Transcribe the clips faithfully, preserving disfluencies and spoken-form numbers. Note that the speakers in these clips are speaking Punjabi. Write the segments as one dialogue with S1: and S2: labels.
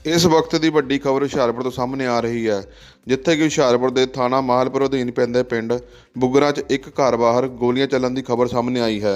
S1: ਇਸ ਵਕਤ ਦੀ ਵੱਡੀ ਖਬਰ ਹੁਸ਼ਿਆਰਪੁਰ ਤੋਂ ਸਾਹਮਣੇ ਆ ਰਹੀ ਹੈ, ਜਿੱਥੇ ਕਿ ਹੁਸ਼ਿਆਰਪੁਰ ਦੇ ਥਾਣਾ ਮਾਹਲਪੁਰ ਅਧੀਨ ਪੈਂਦੇ ਪਿੰਡ ਬੁੱਗਰਾ 'ਚ ਇੱਕ ਘਰ ਬਾਹਰ ਗੋਲੀਆਂ ਚੱਲਣ ਦੀ ਖਬਰ ਸਾਹਮਣੇ ਆਈ ਹੈ।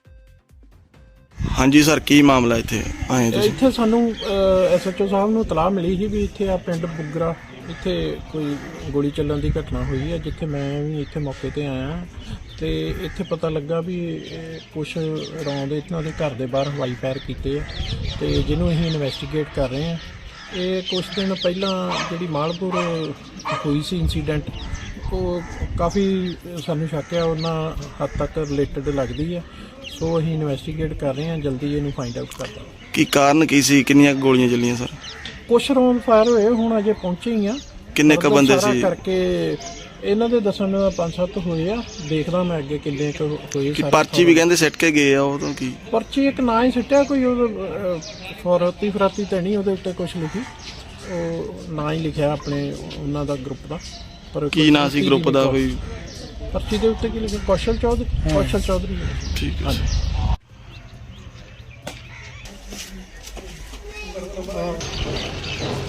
S2: ਹਾਂਜੀ ਸਰ, ਕੀ ਮਾਮਲਾ ਇੱਥੇ ਆਏ ਤੁਸੀਂ?
S3: ਇੱਥੇ ਸਾਨੂੰ ਐਸਐਚਓ ਸਾਹਿਬ ਨੂੰ ਇਤਲਾਹ ਮਿਲੀ ਸੀ ਵੀ ਇੱਥੇ ਆ ਪਿੰਡ ਬੁੱਗਰਾ ਇੱਥੇ ਕੋਈ ਗੋਲੀ ਚੱਲਣ ਦੀ ਘਟਨਾ ਹੋਈ ਹੈ, ਜਿੱਥੇ ਮੈਂ ਵੀ ਇੱਥੇ ਮੌਕੇ ਤੇ ਆਇਆ ਤੇ ਇੱਥੇ ਪਤਾ ਲੱਗਾ ਵੀ ਕੁਛ ਰੌਂਦ ਇਹਨਾਂ ਦੇ ਘਰ ਦੇ ਬਾਹਰ ਹਵਾਈ ਫਾਇਰ ਕੀਤੇ ਆ ਤੇ ਜਿਹਨੂੰ ਅਸੀਂ ਇਨਵੈਸਟੀਗੇਟ ਕਰ ਰਹੇ ਹਾਂ। ਇਹ ਕੁਛ ਦਿਨ ਪਹਿਲਾਂ ਜਿਹੜੀ ਮਾਲਪੁਰ ਹੋਈ ਸੀ ਇਨਸੀਡੈਂਟ, ਉਹ ਕਾਫੀ ਸਾਨੂੰ ਸ਼ੱਕ ਆ ਉਹਨਾਂ ਹੱਦ ਤੱਕ ਰਿਲੇਟਡ ਲੱਗਦੀ ਹੈ, ਸੋ ਅਸੀਂ ਇਨਵੈਸਟੀਗੇਟ ਕਰ ਰਹੇ ਹਾਂ, ਜਲਦੀ ਇਹਨੂੰ ਫਾਈਂਡ ਆਊਟ ਕਰਦਾ।
S2: ਕੀ ਕਾਰਨ ਕੀ ਸੀ? ਕਿੰਨੀਆਂ ਗੋਲੀਆਂ ਚੱਲੀਆਂ ਸਰ?
S3: ਕੁਛ ਰੌਂਦ ਫਾਇਰ ਹੋਏ, ਹੁਣ ਅਜੇ ਪਹੁੰਚੇ ਹੀ ਆ।
S2: ਕਿੰਨੇ ਕ ਬੰਦੇ ਸੀ?
S3: ਕਰਕੇ ਇਹਨਾਂ ਦੇ ਦੱਸਣ ਦਾ ਪੰਜ ਸੱਤ ਹੋਏ ਆ, ਦੇਖਦਾ ਮੈਂ ਅੱਗੇ ਕਿੰਨੇ ਕੁ ਹੋਏ।
S2: ਕੀ ਪਰਚੀ ਵੀ ਕਹਿੰਦੇ ਸਿੱਟ ਕੇ ਗਏ ਆ? ਉਹ ਤਾਂ ਕੀ
S3: ਪਰਚੀ ਇੱਕ ਨਾ ਹੀ ਸਿੱਟਿਆ, ਕੋਈ ਉਹ ਫੌਰਤੀ ਫਰਾਤੀ ਤਾਂ ਨਹੀਂ ਉਹਦੇ ਉੱਤੇ ਕੁਛ ਲਿਖੀ, ਉਹ ਨਾ ਹੀ ਲਿਖਿਆ ਆਪਣੇ ਉਹਨਾਂ ਦਾ ਗਰੁੱਪ ਦਾ। ਪਰ
S2: ਕੀ ਨਾਂ ਸੀ ਗਰੁੱਪ ਦਾ? ਕੋਈ
S3: ਪਰਚੀ ਦੇ ਉੱਤੇ ਕੀ ਲਿਖਿਆ? ਕੌਸ਼ਲ ਚੌਧਰੀ। ਕੌਸ਼ਲ ਚੌਧਰੀ।
S2: ਠੀਕ ਹੈ।
S3: ਹਾਂਜੀ।